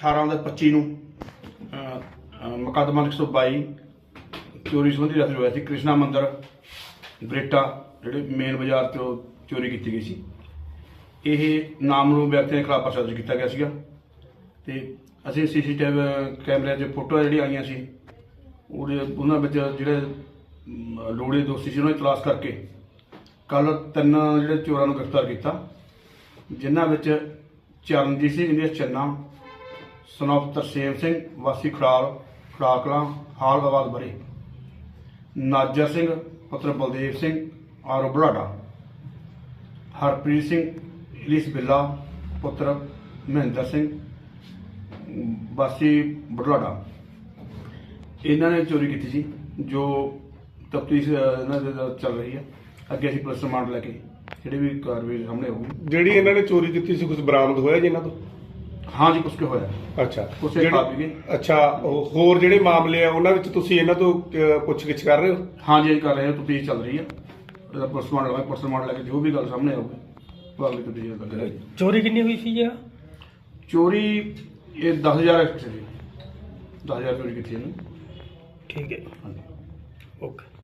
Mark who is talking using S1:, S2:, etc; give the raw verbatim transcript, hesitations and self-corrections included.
S1: ਅਠਾਰਾਂ ਦਾ ਪੱਚੀ ਨੂੰ ਮੁਕੱਦਮਾ ਇੱਕ ਸੌ ਬਾਈ ਚੋਰੀ ਸੰਬੰਧੀ ਰਜਿਸਟਰ ਹੋਇਆ ਸੀ। ਕ੍ਰਿਸ਼ਨਾ ਮੰਦਰ ਬਰੇਟਾ ਜਿਹੜੇ ਮੇਨ ਬਾਜ਼ਾਰ ਤੋਂ ਚੋਰੀ ਕੀਤੀ ਗਈ ਸੀ। ਇਹ ਨਾਮਲੂਮ ਵਿਅਕਤੀਆਂ ਦੇ ਖਿਲਾਫ ਪਰਚਾ ਦਰਜ ਕੀਤਾ ਗਿਆ ਸੀਗਾ ਤੇ ਅਸੀਂ ਸੀ ਸੀ ਟੀ ਵੀ ਕੈਮਰਿਆਂ 'ਚ ਫੋਟੋਆਂ ਜਿਹੜੀਆਂ ਆਈਆਂ ਸੀ ਉਹਦੇ ਉਹਨਾਂ ਵਿੱਚ ਜਿਹੜੇ ਲੋੜੇ ਦੋਸ਼ੀ ਸੀ ਉਹਨਾਂ ਦੀ ਤਲਾਸ਼ ਕਰਕੇ ਕੱਲ੍ਹ ਤਿੰਨ ਜਿਹੜੇ ਚੋਰਾਂ ਨੂੰ ਗ੍ਰਿਫਤਾਰ ਕੀਤਾ, ਜਿਨ੍ਹਾਂ ਵਿੱਚ ਚਰਨਜੀਤ ਸਿੰਘ ਇੰਡੀਆ ਚੰਨਾ ਸਨੋਫ ਤਰਸੇਮ ਸਿੰਘ ਵਾਸੀ ਖੜਾਲ ਖੜਾਕਲਾਂ ਹਾਲ ਆਬਾਦ ਬਰੇ, ਨਾਜਰ ਸਿੰਘ ਪੁੱਤਰ ਬਲਦੇਵ ਸਿੰਘ ਆਰੋ ਬੁਢਲਾਡਾ, ਹਰਪ੍ਰੀਤ ਸਿੰਘ ਇਲੀਸ ਬਿੱਲਾ ਪੁੱਤਰ ਮਹਿੰਦਰ ਸਿੰਘ ਵਾਸੀ ਬੁਢਲਾਡਾ। ਇਹਨਾਂ ਨੇ ਚੋਰੀ ਕੀਤੀ ਸੀ, ਜੋ ਤਫਤੀਸ਼ ਇਹਨਾਂ ਦੇ ਚੱਲ ਰਹੀ ਹੈ। ਅੱਗੇ ਅਸੀਂ ਪੁਲਿਸ ਰਿਮਾਂਡ ਲੈ ਕੇ ਜਿਹੜੀ ਵੀ ਕਾਰਵਾਈ ਸਾਹਮਣੇ ਆਊਗੀ।
S2: ਜਿਹੜੀ ਇਹਨਾਂ ਨੇ ਚੋਰੀ ਕੀਤੀ ਸੀ ਕੁਝ ਬਰਾਮਦ ਹੋਇਆ ਜੀ ਇਹਨਾਂ ਤੋਂ?
S1: ਹਾਂ ਜੀ, ਕੁਛ ਕੁ ਹੋਇਆ।
S2: ਅੱਛਾ,
S1: ਕੁਛ
S2: ਜਿਹੜੇ-
S1: ਖਾ ਪੀ ਗਏ।
S2: ਅੱਛਾ, ਉਹ ਹੋਰ ਜਿਹੜੇ ਮਾਮਲੇ ਆ ਉਹਨਾਂ ਵਿੱਚ ਤੁਸੀਂ ਇਹਨਾਂ ਤੋਂ ਅਹ, ਪੁੱਛਗਿੱਛ ਕਰ ਰਹੇ ਹੋ?
S1: ਹਾਂ ਜੀ, ਅਸੀਂ ਕਰ ਰਹੇ ਹਾਂ, ਤਫਤੀਸ਼ ਚੱਲ ਰਹੀ ਹੈ। ਇਹਦਾ ਪੁਲਿਸ ਰਿਮਾਂਡ ਲਵਾਂਗੇ, ਪੁਲਿਸ ਰਿਮਾਂਡ ਲੈ ਕੇ ਜੋ ਵੀ ਗੱਲ ਸਾਹਮਣੇ ਆਊਗੀ ਉਹ ਅਗਲੀ ਤਫਤੀਸ਼ ਕਰਾਂਗੇ।
S3: ਚੋਰੀ ਕਿੰਨੀ ਹੋਈ ਸੀ ਜੀ?
S1: ਚੋਰੀ ਇਹ ਦਸ ਹਜ਼ਾਰ ਸੀ, ਦਸ ਹਜ਼ਾਰ ਚੋਰੀ ਕੀਤੀ ਇਹਨੂੰ।
S3: ਠੀਕ ਹੈ,
S1: ਹਾਂਜੀ।
S3: ਓਕੇ।